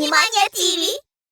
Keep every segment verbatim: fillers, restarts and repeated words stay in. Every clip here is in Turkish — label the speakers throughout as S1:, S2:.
S1: Animania T V.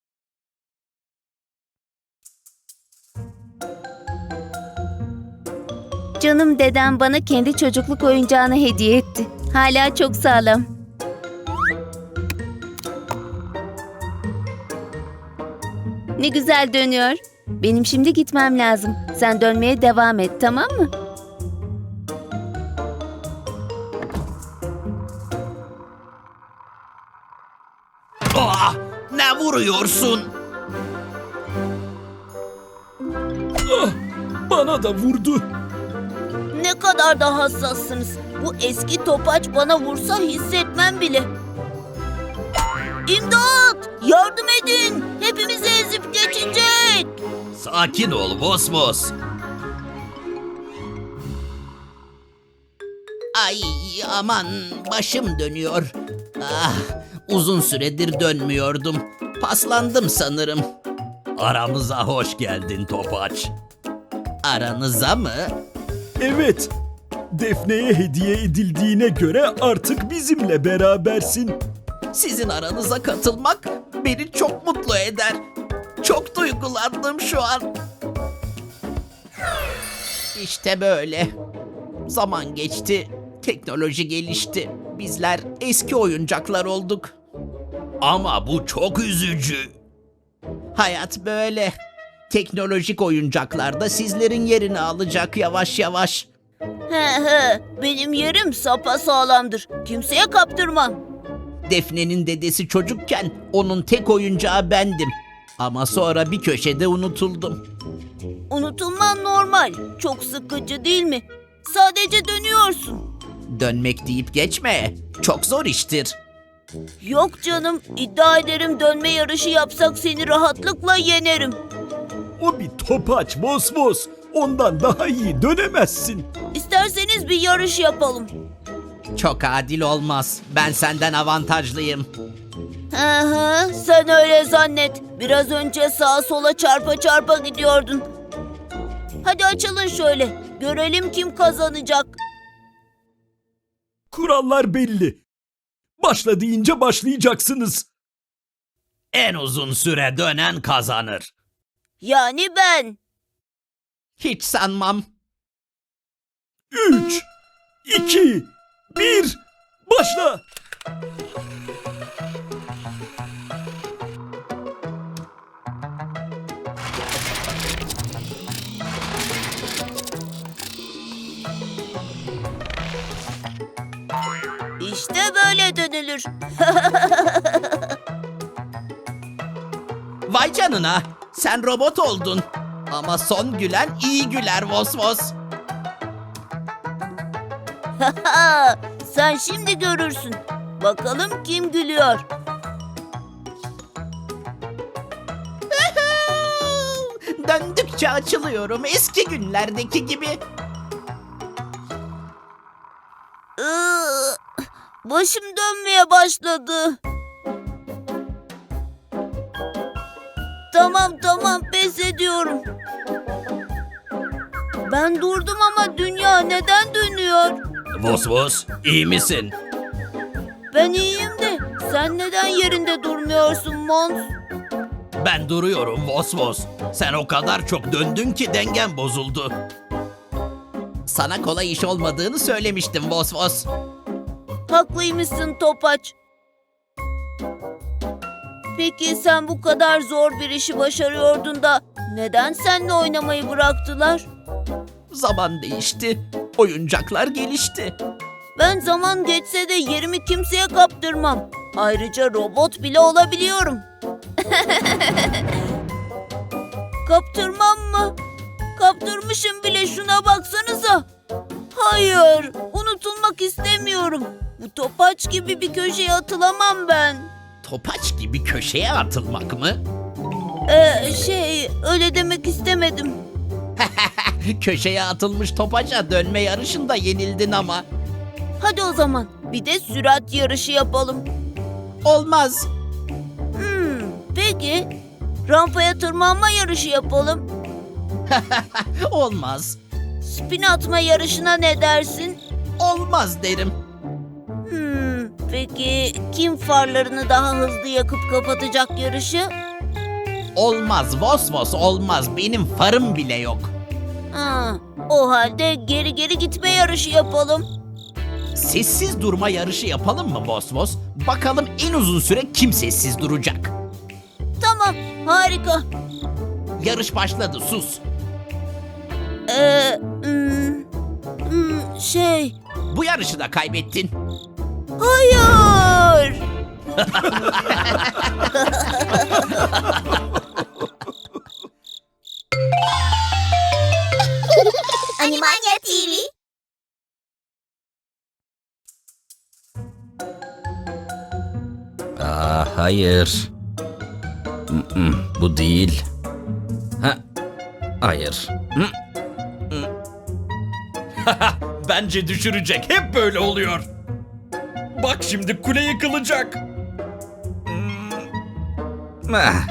S2: Canım dedem bana kendi çocukluk oyuncağını hediye etti. Hala çok sağlam. Ne güzel dönüyor. Benim şimdi gitmem lazım. Sen dönmeye devam et, tamam mı?
S3: Ah, ne vuruyorsun?
S4: Ah, bana da vurdu.
S1: Ne kadar da hassassınız. Bu eski topaç bana vursa hissetmem bile. İmdat! Yardım edin! Hepimizi ezip geçecek!
S3: Sakin ol Vosvos. Ay aman başım dönüyor. Ah, uzun süredir dönmüyordum. Paslandım sanırım. Aramıza hoş geldin Topaç. Aranıza mı?
S4: Evet, Defne'ye hediye edildiğine göre artık bizimle berabersin.
S3: Sizin aranıza katılmak beni çok mutlu eder. Çok duygulandım şu an. İşte böyle. Zaman geçti, teknoloji gelişti. Bizler eski oyuncaklar olduk. Ama bu çok üzücü. Hayat böyle. Teknolojik oyuncaklar da sizlerin yerini alacak yavaş yavaş.
S1: He he, benim yerim sapasağlamdır. Kimseye kaptırmam.
S3: Defne'nin dedesi çocukken onun tek oyuncağı bendim. Ama sonra bir köşede unutuldum.
S1: Unutulman normal. Çok sıkıcı değil mi? Sadece dönüyorsun.
S3: Dönmek deyip geçme. Çok zor iştir.
S1: Yok canım, iddia ederim dönme yarışı yapsak seni rahatlıkla yenerim.
S4: O bir topaç Vosvos. Ondan daha iyi dönemezsin.
S1: İsterseniz bir yarış yapalım.
S3: Çok adil olmaz. Ben senden avantajlıyım.
S1: Hı hı, sen öyle zannet. Biraz önce sağa sola çarpa çarpa gidiyordun. Hadi açılın şöyle. Görelim kim kazanacak.
S4: Kurallar belli. Başla deyince başlayacaksınız.
S3: En uzun süre dönen kazanır.
S1: Yani ben.
S3: Hiç sanmam.
S4: Üç, iki, bir, başla.
S1: İşte böyle dönülür.
S3: Vay canına. Sen robot oldun. Ama son gülen iyi güler Vosvos.
S1: Sen şimdi görürsün. Bakalım kim gülüyor.
S3: Döndükçe açılıyorum eski günlerdeki gibi.
S1: Iı, Başım dönmeye başladı. Tamam tamam pes ediyorum. Ben durdum ama dünya neden dönüyor?
S3: Vosvos, iyi misin?
S1: Ben iyiyim de sen neden yerinde durmuyorsun Mons?
S3: Ben duruyorum Vosvos. Sen o kadar çok döndün ki dengen bozuldu. Sana kolay iş olmadığını söylemiştim Vosvos.
S1: Haklıymışsın Topaç. Peki sen bu kadar zor bir işi başarıyordun da neden seninle oynamayı bıraktılar?
S3: Zaman değişti. Oyuncaklar gelişti.
S1: Ben zaman geçse de yerimi kimseye kaptırmam. Ayrıca robot bile olabiliyorum. Kaptırmam mı? Kaptırmışım bile, şuna baksanıza. Hayır, unutulmak istemiyorum. Bu topaç gibi bir köşeye atılamam ben.
S3: Topaç gibi köşeye atılmak mı?
S1: Ee, şey, öyle demek istemedim.
S3: Köşeye atılmış topaca dönme yarışında yenildin ama.
S1: Hadi o zaman bir de sürat yarışı yapalım.
S3: Olmaz.
S1: Hmm, peki rampaya tırmanma yarışı yapalım.
S3: Olmaz.
S1: Spin atma yarışına ne dersin?
S3: Olmaz derim.
S1: Hmm, Peki kim farlarını daha hızlı yakıp kapatacak yarışı?
S3: Olmaz Vos Vos, olmaz. Benim farım bile yok.
S1: Ha, o halde geri geri gitme yarışı yapalım.
S3: Sessiz durma yarışı yapalım mı Vos Vos? Bakalım en uzun süre kim sessiz duracak?
S1: Tamam, harika.
S3: Yarış başladı, sus.
S1: Ee, hmm, hmm, şey,
S3: Bu yarışı da kaybettin.
S1: hayır.
S5: Animania T V.
S6: Aa, hayır. Mm-mm, bu değil. Ha, hayır. Mm.
S4: Bence düşürecek. Hep böyle oluyor. Bak şimdi kule yıkılacak.
S6: Ah,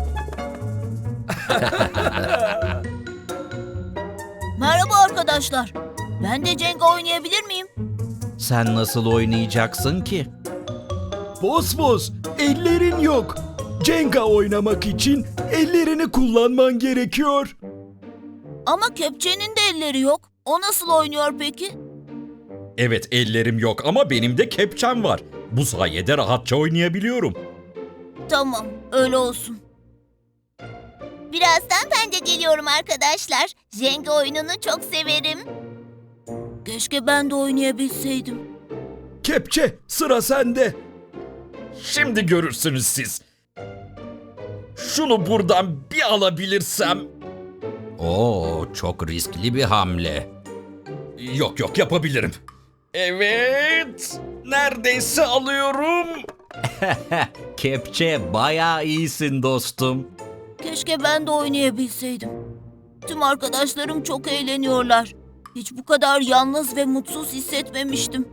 S1: Merhaba arkadaşlar. Ben de Jenga oynayabilir miyim?
S6: sen nasıl oynayacaksın ki?
S4: Vos Vos, ellerin yok. Jenga oynamak için ellerini kullanman gerekiyor.
S1: Ama kepçenin de elleri yok. O nasıl oynuyor peki?
S7: Evet, ellerim yok ama benim de kepçem var. Bu sayede rahatça oynayabiliyorum.
S1: Tamam, öyle olsun.
S5: Birazdan ben de geliyorum arkadaşlar. Jenga oyununu çok severim.
S1: Keşke ben de oynayabilseydim.
S4: Kepçe, sıra sende.
S7: Şimdi görürsünüz siz. Şunu buradan bir alabilirsem...
S6: Oo, çok riskli bir hamle.
S7: Yok yok, yapabilirim. Evet, neredeyse alıyorum.
S6: Kepçe, bayağı iyisin dostum.
S1: Keşke ben de oynayabilseydim. Tüm arkadaşlarım çok eğleniyorlar. Hiç bu kadar yalnız ve mutsuz hissetmemiştim.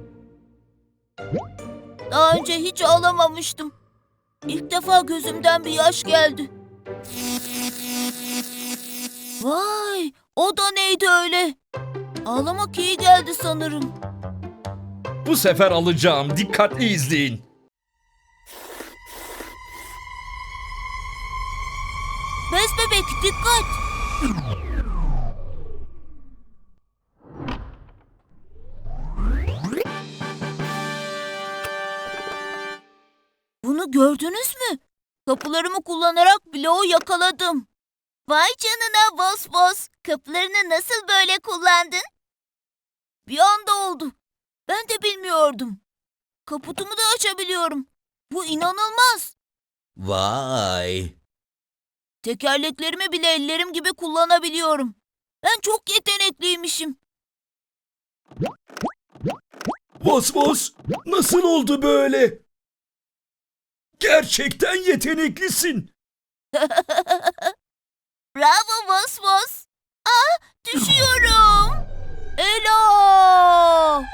S1: Daha önce hiç ağlamamıştım. İlk defa gözümden bir yaş geldi. Vay, o da neydi öyle? Ağlamak iyi geldi sanırım.
S7: Bu sefer alacağım, dikkatli izleyin.
S1: Bez bebek dikkat. Bunu gördünüz mü? Kapılarımı kullanarak bloğu yakaladım.
S5: Vay canına Vos Vos. Kapılarını nasıl böyle kullandın?
S1: Bir anda oldu. Ben de bilmiyordum. Kaputumu da açabiliyorum. Bu inanılmaz.
S6: Vay.
S1: Tekerleklerimi bile ellerim gibi kullanabiliyorum. Ben çok yetenekliymişim.
S4: Vos Vos, nasıl oldu böyle? Gerçekten yeteneklisin.
S5: Bravo Vos Vos. Aa, düşüyorum.
S1: Ela!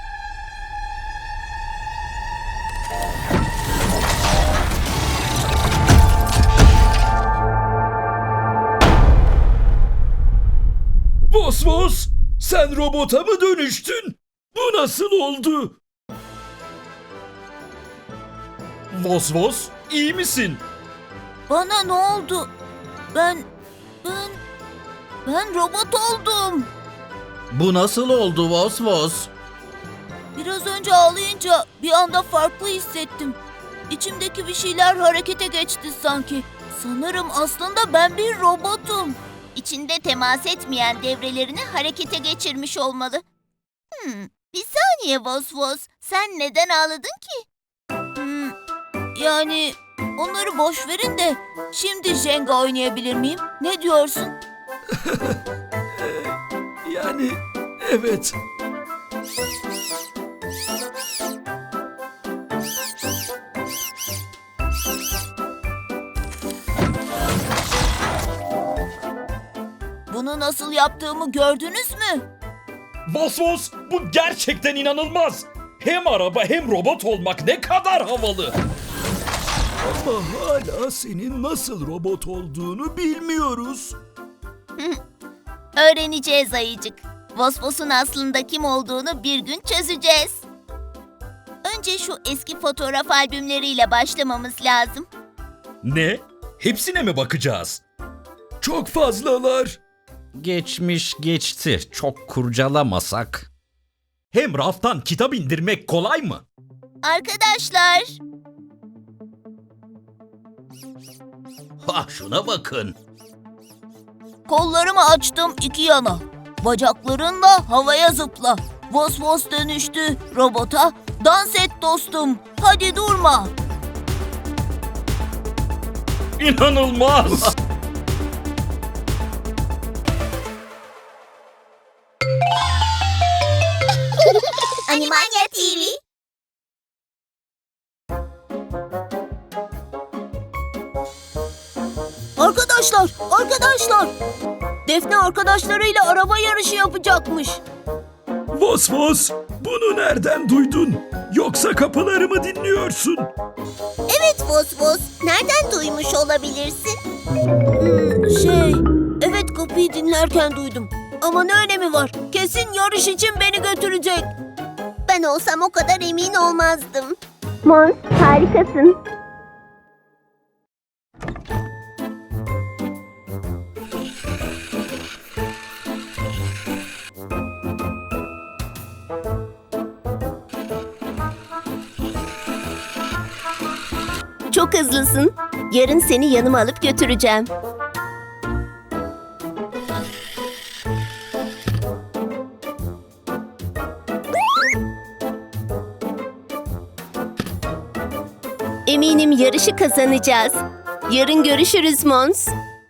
S4: Vos Vos, sen robota mı dönüştün? Bu nasıl oldu?
S7: Vos Vos, iyi misin?
S1: Bana ne oldu? Ben, ben, ben robot oldum.
S6: Bu nasıl oldu Vos Vos?
S1: Biraz önce ağlayınca bir anda farklı hissettim. İçimdeki bir şeyler harekete geçti sanki. Sanırım aslında ben bir robotum.
S5: İçinde temas etmeyen devrelerini harekete geçirmiş olmalı. Hmm, bir saniye Vos Vos. Sen neden ağladın ki?
S1: Hmm, yani onları boş verin de şimdi Jenga oynayabilir miyim? Ne diyorsun?
S4: Yani evet.
S1: Bunu nasıl yaptığımı gördünüz mü?
S7: Vos Vos, bu gerçekten inanılmaz. Hem araba hem robot olmak ne kadar havalı.
S4: Ama hala senin nasıl robot olduğunu bilmiyoruz.
S5: Öğreneceğiz ayıcık. Vos Vos'un aslında kim olduğunu bir gün çözeceğiz. Bence şu eski fotoğraf albümleriyle başlamamız lazım.
S7: Ne? Hepsine mi bakacağız? Çok fazlalar.
S6: Geçmiş geçti. Çok kurcalamasak.
S7: Hem raftan kitap indirmek kolay mı?
S5: Arkadaşlar,
S3: Ha şuna bakın.
S1: Kollarımı açtım iki yana. Bacaklarınla havaya zıpla. Vos vos dönüştü robota. Dans et dostum. Hadi durma.
S7: İnanılmaz.
S5: Animania T V.
S1: Arkadaşlar, arkadaşlar. Defne arkadaşlarıyla araba yarışı yapacakmış.
S7: Vos vos, bunu nereden duydun? Yoksa kapıları mı dinliyorsun?
S5: Evet Vos Vos, nereden duymuş olabilirsin?
S1: Hmm, şey, evet kapıyı dinlerken duydum. Ama ne önemi var? Kesin yarış için beni götürecek.
S5: Ben olsam o kadar emin olmazdım.
S2: Mons, harikasın. Çok hızlısın. Yarın seni yanıma alıp götüreceğim. Eminim yarışı kazanacağız. Yarın görüşürüz Mons.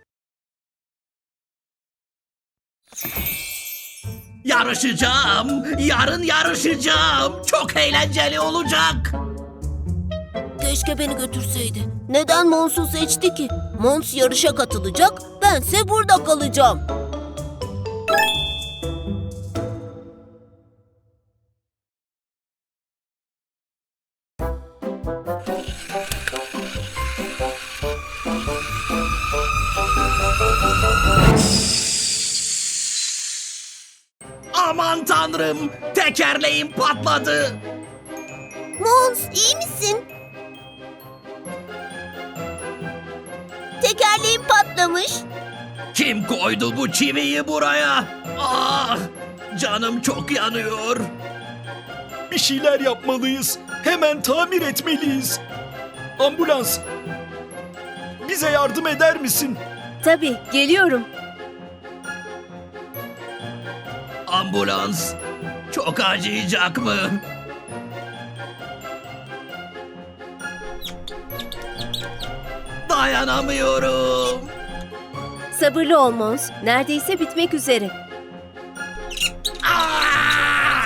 S3: Yarışacağım. Yarın yarışacağım. Çok eğlenceli olacak.
S1: Keşke beni götürseydi. Neden Mons'u seçti ki? Mons yarışa katılacak, bense burada kalacağım.
S3: Aman tanrım. Tekerleğim patladı.
S5: Mons, iyi misin? Tekerleğim patlamış.
S3: Kim koydu bu çiviyi buraya? Ah! Canım çok yanıyor.
S7: Bir şeyler yapmalıyız. Hemen tamir etmeliyiz. Ambulans. Bize yardım eder misin?
S2: Tabii, geliyorum.
S3: Ambulans. Çok acıyacak mı? Dayanamıyorum.
S2: Sabırlı ol Mons. Neredeyse bitmek üzere.
S3: Ah!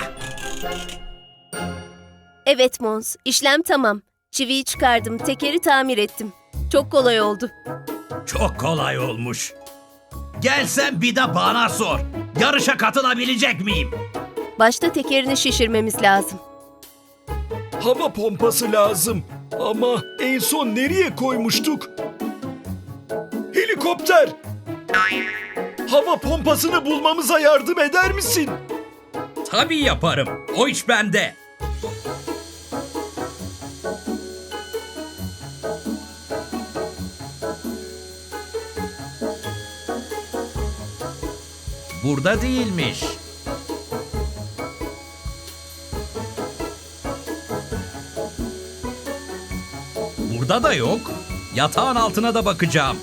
S2: Evet Mons, işlem tamam. Çiviyi çıkardım, tekeri tamir ettim. Çok kolay oldu.
S3: Çok kolay olmuş. Gelsen bir de bana sor. Yarışa katılabilecek miyim?
S2: Başta tekerini şişirmemiz lazım.
S7: Hava pompası lazım. Ama en son nereye koymuştuk? Helikopter. Hava pompasını bulmamıza yardım eder misin?
S6: Tabii yaparım. O iş bende. Burada değilmiş. Burada da yok. Yatağın altına da bakacağım.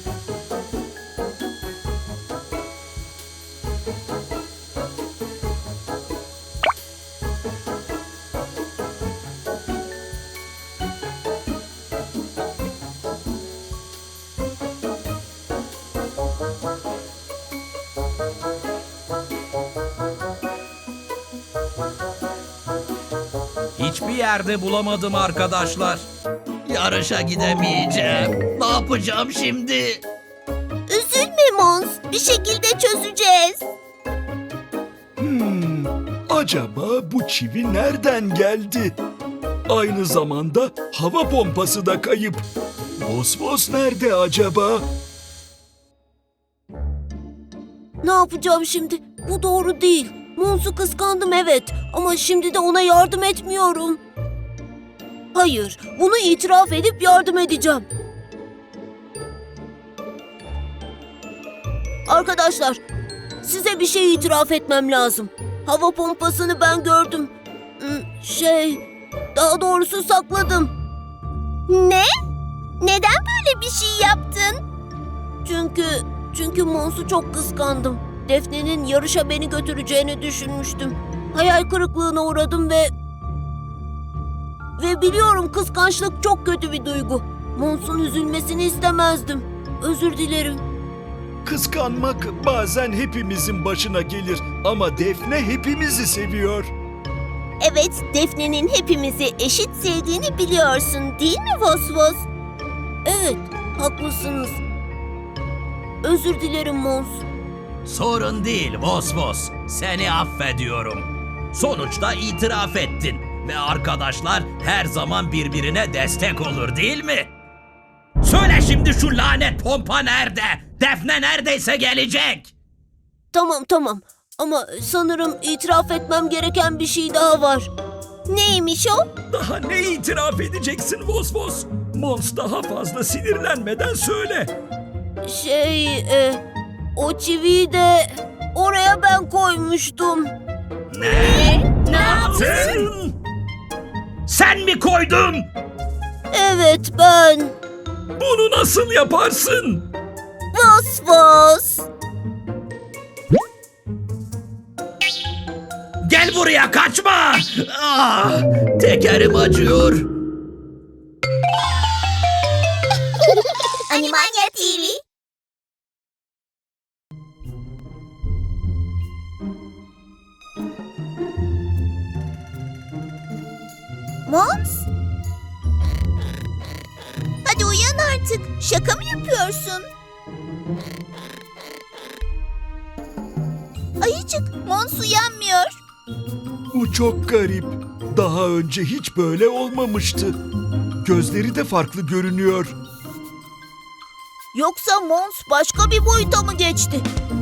S6: Hiçbir yerde bulamadım arkadaşlar.
S3: Yarışa gidemeyeceğim. Ne yapacağım şimdi?
S5: Üzülme Mons, bir şekilde çözeceğiz.
S7: Hmm, acaba bu çivi nereden geldi? Aynı zamanda hava pompası da kayıp. Vos vos nerede acaba?
S1: Ne yapacağım şimdi? Bu doğru değil. Mons'u kıskandım evet ama şimdi de ona yardım etmiyorum. Hayır, bunu itiraf edip yardım edeceğim. Arkadaşlar, size bir şey itiraf etmem lazım. Hava pompasını ben gördüm. Hmm, Şey, daha doğrusu sakladım.
S5: Ne? Neden böyle bir şey yaptın?
S1: Çünkü, çünkü Mons'u çok kıskandım. Defne'nin yarışa beni götüreceğini düşünmüştüm. Hayal kırıklığına uğradım ve... Ve biliyorum kıskançlık çok kötü bir duygu. Mons'un üzülmesini istemezdim. Özür dilerim.
S7: Kıskanmak bazen hepimizin başına gelir ama Defne hepimizi seviyor.
S5: Evet, Defne'nin hepimizi eşit sevdiğini biliyorsun değil mi Vosvos?
S1: Evet, haklısınız. Özür dilerim Mons.
S3: Sorun değil Vosvos. Seni affediyorum. Sonuçta itiraf ettin. Ve arkadaşlar her zaman birbirine destek olur değil mi? Söyle şimdi şu lanet pompa nerede? Defne neredeyse gelecek.
S1: Tamam tamam ama sanırım itiraf etmem gereken bir şey daha var.
S5: Neymiş o?
S6: Daha ne itiraf edeceksin Vosvos? Mons daha fazla sinirlenmeden söyle.
S1: Şey, e, o çiviyi de oraya ben koymuştum.
S3: Ne? Ne yaptın? Sen mi koydun?
S1: Evet ben.
S6: Bunu nasıl yaparsın?
S1: Vosvos.
S3: Gel buraya kaçma. Ah, tekerim acıyor.
S5: Animania T V. Mons? Hadi uyan artık. Şaka mı yapıyorsun? Ayıcık, Mons uyanmıyor.
S7: Bu çok garip. Daha önce hiç böyle olmamıştı. Gözleri de farklı görünüyor.
S1: Yoksa Mons başka bir boyuta mı geçti?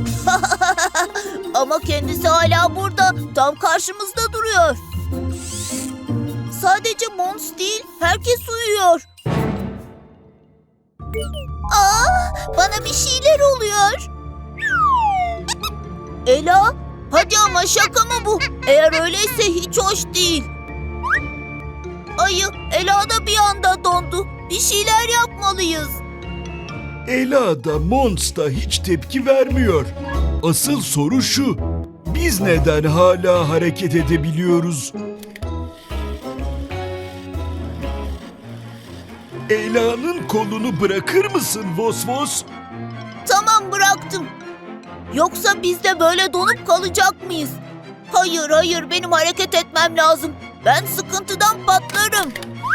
S1: Ama kendisi hala burada, tam karşımızda duruyor. Sadece Mons değil, herkes uyuyor.
S5: Aa, bana bir şeyler oluyor.
S1: Ela, hadi ama şaka mı bu? Eğer öyleyse hiç hoş değil. Ayı, Ela da bir anda dondu. Bir şeyler yapmalıyız.
S7: Ela da Mons da hiç tepki vermiyor. Asıl soru şu. Biz neden hala hareket edebiliyoruz? Ela'nın kolunu bırakır mısın Vosvos?
S1: Tamam bıraktım. Yoksa biz de böyle donup kalacak mıyız? Hayır hayır benim hareket etmem lazım. Ben sıkıntıdan patlarım.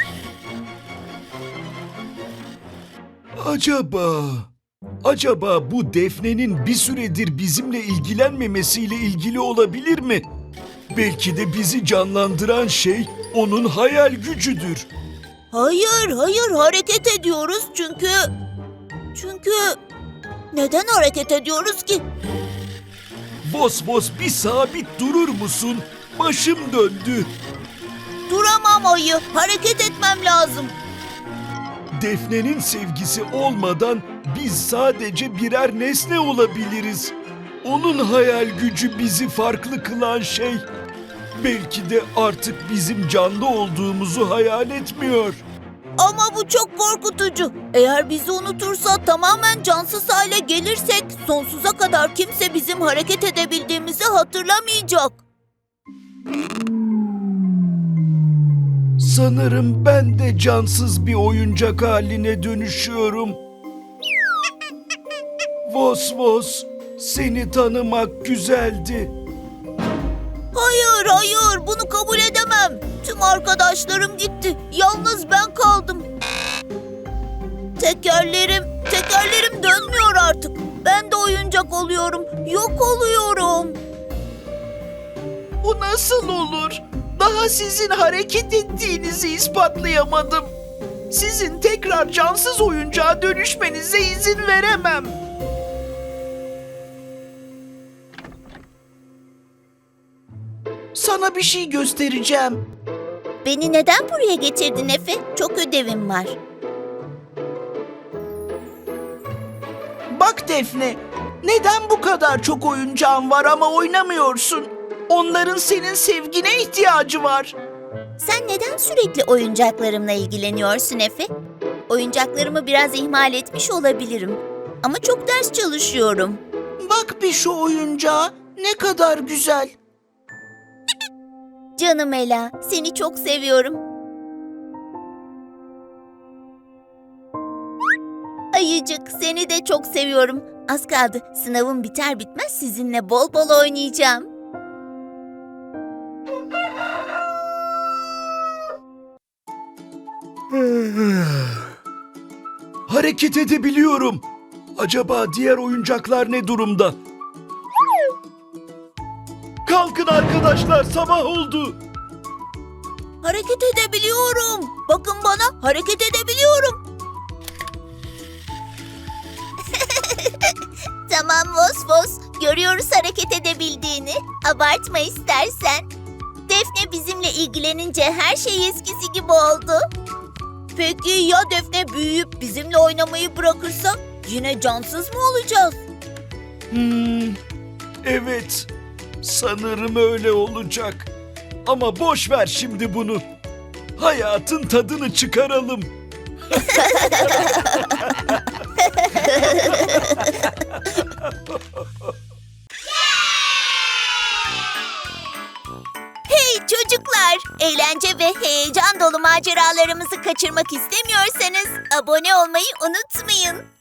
S7: Acaba... Acaba bu Defne'nin bir süredir bizimle ilgilenmemesiyle ilgili olabilir mi? Belki de bizi canlandıran şey onun hayal gücüdür.
S1: Hayır hayır hareket ediyoruz çünkü... Çünkü... Neden hareket ediyoruz ki?
S7: Vosvos bir sabit durur musun? Başım döndü.
S1: Duramam ayı. Hareket etmem lazım.
S7: Defne'nin sevgisi olmadan biz sadece birer nesne olabiliriz. Onun hayal gücü bizi farklı kılan şey. Belki de artık bizim canlı olduğumuzu hayal etmiyor.
S1: Ama bu çok korkutucu. Eğer bizi unutursa tamamen cansız hale gelirsek sonsuza kadar kimse bizim hareket edebildiğimizi hatırlamayacak.
S7: Sanırım ben de cansız bir oyuncak haline dönüşüyorum. Vosvos, seni tanımak güzeldi.
S1: Hayır hayır bunu kabul edemem. Tüm arkadaşlarım gitti. Yalnız ben kaldım. Tekerlerim, tekerlerim dönmüyor artık. Ben de oyuncak oluyorum. Yok oluyorum.
S8: Bu nasıl olur? Daha sizin hareket ettiğinizi ispatlayamadım. Sizin tekrar cansız oyuncağa dönüşmenize izin veremem. Sana bir şey göstereceğim.
S1: Beni neden buraya getirdin Efe? Çok ödevim var.
S8: Bak Defne, neden bu kadar çok oyuncağın var ama oynamıyorsun? Onların senin sevgine ihtiyacı var.
S1: Sen neden sürekli oyuncaklarımla ilgileniyorsun Efe? Oyuncaklarımı biraz ihmal etmiş olabilirim. Ama çok ders çalışıyorum.
S8: Bak bir şu oyuncağa, ne kadar güzel.
S1: Canım Ela, seni çok seviyorum. Ayıcık, seni de çok seviyorum. Az kaldı. Sınavım biter bitmez sizinle bol bol oynayacağım.
S7: Hareket edebiliyorum. Acaba diğer oyuncaklar ne durumda? Kalkın arkadaşlar, sabah oldu.
S1: Hareket edebiliyorum. Bakın bana, hareket edebiliyorum. Tamam Vosvos, görüyoruz hareket edebildiğini. Abartma istersen. Defne bizimle ilgilenince her şey eskisi gibi oldu. Peki ya Defne büyüyüp bizimle oynamayı bırakırsa yine cansız mı olacağız?
S7: Hmm, evet, sanırım öyle olacak. Ama boş ver şimdi bunu. Hayatın tadını çıkaralım.
S1: Hey çocuklar, eğlence ve heyecan dolu maceralarımızı kaçırmak istemiyorsanız abone olmayı unutmayın.